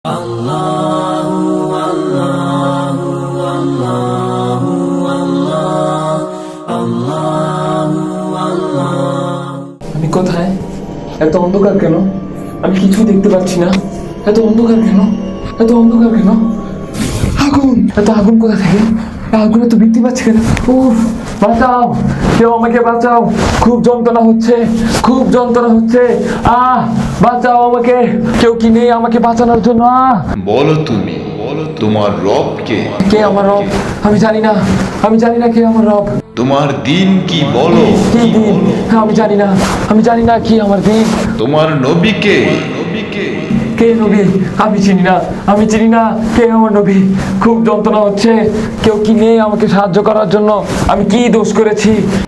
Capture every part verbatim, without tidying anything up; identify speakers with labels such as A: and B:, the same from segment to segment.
A: Allahu Allahu Allahu Allah Allahu Allah
B: আমি কোথায়? এত অন্ধকার কেন? আমি কিছু দেখতে পাচ্ছি না। এত অন্ধকার কেন? এত অন্ধকার কেন? আগুন! এত আগুন কোথা থেকে? আগুনে তো বৃদ্ধি পাচ্ছে কেন? উফ! বাঁচাও! কেউ আমাকে বাঁচাও! খুব যন্ত্রণা হচ্ছে, খুব যন্ত্রণা হচ্ছে। আহ! বাঁচাও আমাকে! কেউ কি নেই আমাকে বাঁচানোর জন্য? আহ!
C: বলো তুমি, বলো তোমার রব কে?
B: কে আমার রব? আমি জানি না, আমি জানি না কে আমার রব।
C: তোমার দিন কি বলো?
B: কি দিন? আমি জানি না, আমি জানি না কি আমার দিন।
C: তোমার নবী কে? নবীকে
B: কে নবী? আমি চিনি না, আমি চিনি না কে আমার নবী। খুব যন্ত্রণা হচ্ছে, কেউ কি নেই আমাকে সাহায্য করার জন্য? আমি কি দোষ করেছি?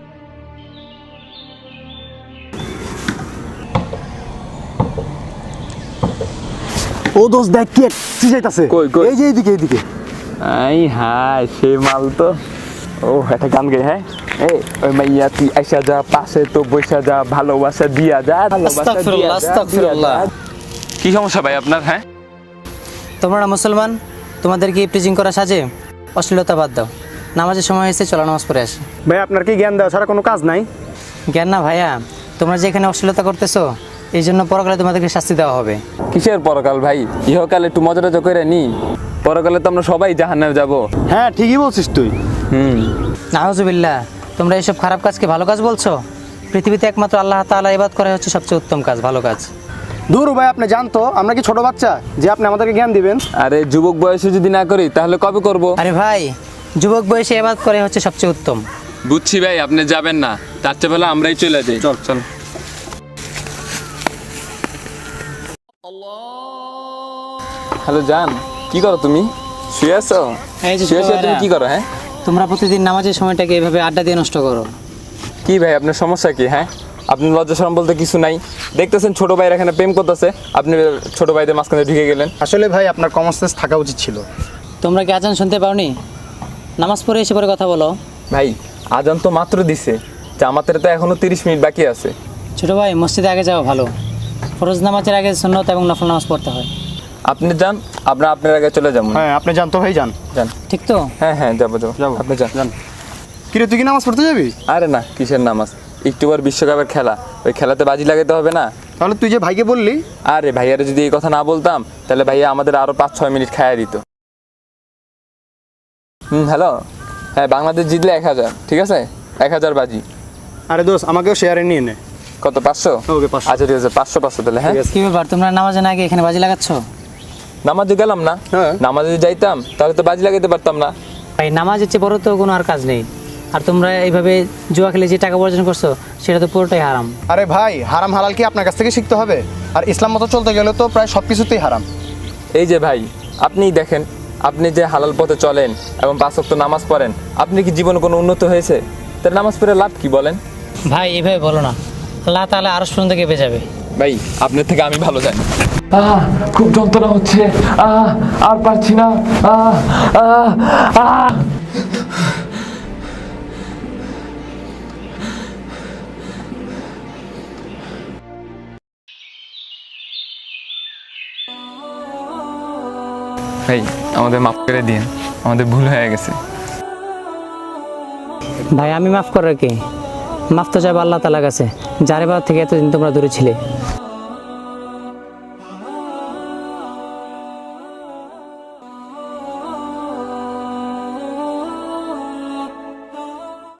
D: ও দোস্ত দেখ কি কি যাইতাছে
B: কই, কই?
D: এই যে এইদিকে এইদিকে
B: আই হাই, সে মাল তো। ও একটা গান গাই, হ্যাঁ? এই ওই মাইয়া তুই আইসা যা, পাশে তো বসে যা, ভালোবাসা দিয়া যা, ভালোবাসা দিয়া যা,
E: আস্তাগফিরুল্লাহ।
B: কি সমস্যা ভাই আপনার? হ্যাঁ,
E: তোমরা না মুসলমান, তোমাদের কি প্রিজিং করা সাজে? অশ্লীলতা বাদ দাও, নামাজের সময় হয়েছে, চলো নামাজ পড়ে আসি।
D: ভাই আপনার কি জ্ঞান দেওয়া ছাড়া কোনো কাজ নাই?
E: জ্ঞান না ভাইয়া, তোমরা যে এখানে অশ্লীলতা করতেছো, এই জন্য পরকালে তোমাদেরকে শাস্তি দেওয়া হবে।
B: কিসের পরকাল ভাই? ইহকালে একটু মজা টজা করে নি, পরকালে তো আমরা সবাই জাহান্নামে যাব।
D: হ্যাঁ ঠিকই বলছিস তুই।
B: হুম।
E: নাউজুবিল্লাহ, তোমরা এইসব খারাপ কাজকে ভালো কাজ বলছো? পৃথিবীতে একমাত্র আল্লাহ তাআলা ইবাদত করা হচ্ছে সবচেয়ে উত্তম কাজ, ভালো কাজ।
D: দূর ভাই, আপনি জানতো আমরা কি ছোট বাচ্চা যে আপনি আমাদেরকে জ্ঞান দিবেন?
B: আরে যুবক বয়সে যদি না করি তাহলে কবে করব?
E: আরে ভাই, যুবক বয়সে ইবাদত করে হচ্ছে সবচেয়ে উত্তম।
B: বুঝছি ভাই, আপনি যাবেন না, তার চেয়ে ভালো আমরাই চলে যাই। চল চল। হ্যালো জান, কি করো তুমি? শুয়ে আছো?
E: এই যে
B: শুয়ে শুয়ে তুমি
E: ভাইরা,
B: কি করো? হ্যাঁ,
E: তোমরা প্রতিদিন নামাজের সময়টাকে এইভাবে আড্ডা দিয়ে নষ্ট করো।
B: কি ভাই আপনার সমস্যা কি? হ্যাঁ, আপনি লজ্জা শরম বলতে কিছু নাই? দেখতেছেন ছোট ভাইয়ের এখানে প্রেম করতেছে, আপনি ছোট ভাইদের মাঝখানে ঢুকে গেলেন।
D: আসলে ভাই আপনার কমন সেন্স থাকা উচিত ছিল।
E: তোমরা কি আজান শুনতে পাওনি? নামাজ পড়ে এসে পরে কথা বলো।
B: ভাই আজান তো মাত্র দিছে, জামাতের তো এখনো তিরিশ মিনিট বাকি আছে।
E: ছোট ভাই, মসজিদে আগে যাওয়া ভালো। ফরজ নামাজের আগে সুন্নত এবং নফল নামাজ পড়তে হয়।
B: আপনি যান, আপনার আপনার আগে চলে যাবো।
D: হ্যাঁ আপনি জানতো ভাই, যান
B: যান।
E: ঠিক তো?
B: হ্যাঁ হ্যাঁ, যাবো যাবো
D: যাবো।
B: আপনি যান।
D: যান। কিরে তুই কি নামাজ পড়তে যাবি?
B: আরে না, কিসের নামাজ? একটু পর বিশ্বকাপের খেলা, ওই খেলাতে বাজি লাগাতে হবে না?
D: তাহলে তুই যে ভাইকে বললি।
B: আরে ভাইয়ারে যদি এই কথা না বলতাম তাহলে ভাইয়া আমাদের আরো পাঁচ ছয় মিনিট খাইয়া দিত। হুম, হ্যালো। হ্যাঁ, বাংলাদেশ জিতলে এক হাজার, ঠিক আছে? এক হাজার বাজি।
D: আরে দোস্ত আমাকেও শেয়ারে নিয়ে নে।
B: কত? পাঁচশো?
D: ওকে পাঁচশো।
B: আচ্ছা ঠিক আছে, পাঁচশো পাঁচশো তাহলে। হ্যাঁ,
E: কি ব্যাপার, তোমরা নামাজে না গিয়ে এখানে বাজি লাগাচ্ছ?
B: নামাজে গেলাম না?
D: হ্যাঁ।
B: নামাজে যদি যাইতাম তাহলে তো বাজি লাগাইতে পারতাম না।
E: ভাই নামাজের চেয়ে বড় তো কোনো আর কাজ নেই। আর তোমরা এইভাবে জুয়া খেলে যে টাকা উপার্জন করছো, সেটা তো পুরোটাই হারাম।
D: আরে ভাই, হারাম হালাল কি আপনার কাছ থেকে শিখতে হবে? আর ইসলাম মতো চলতে গেলে তো প্রায় সব কিছুতেই হারাম।
B: এই যে ভাই, আপনিই দেখেন, আপনি যে হালাল পথে চলেন এবং পাঁচ ওয়াক্ত নামাজ পড়েন, আপনি কি জীবনে কোনো উন্নত হয়েছে? তার নামাজ পড়ে লাভ কি বলেন?
E: ভাই এভাবে বলো না, আল্লাহ তাআলা আরশ পর্যন্ত কেঁপে যাবে।
B: ভাই আপনার থেকে আমি ভালো জানি। আহ খুব যন্ত্রণা হচ্ছে, আহ আর পারছি না। আহ আহ আহ ভাই আমাদের মাফ করে দিন, আমাদের ভুল হয়ে গেছে।
E: ভাই আমি মাফ করার কি? মাফ তো চাইবো আল্লাহ তাআলার কাছে, যার ইবাদত থেকে এতদিন তোমরা দূরে ছিলে।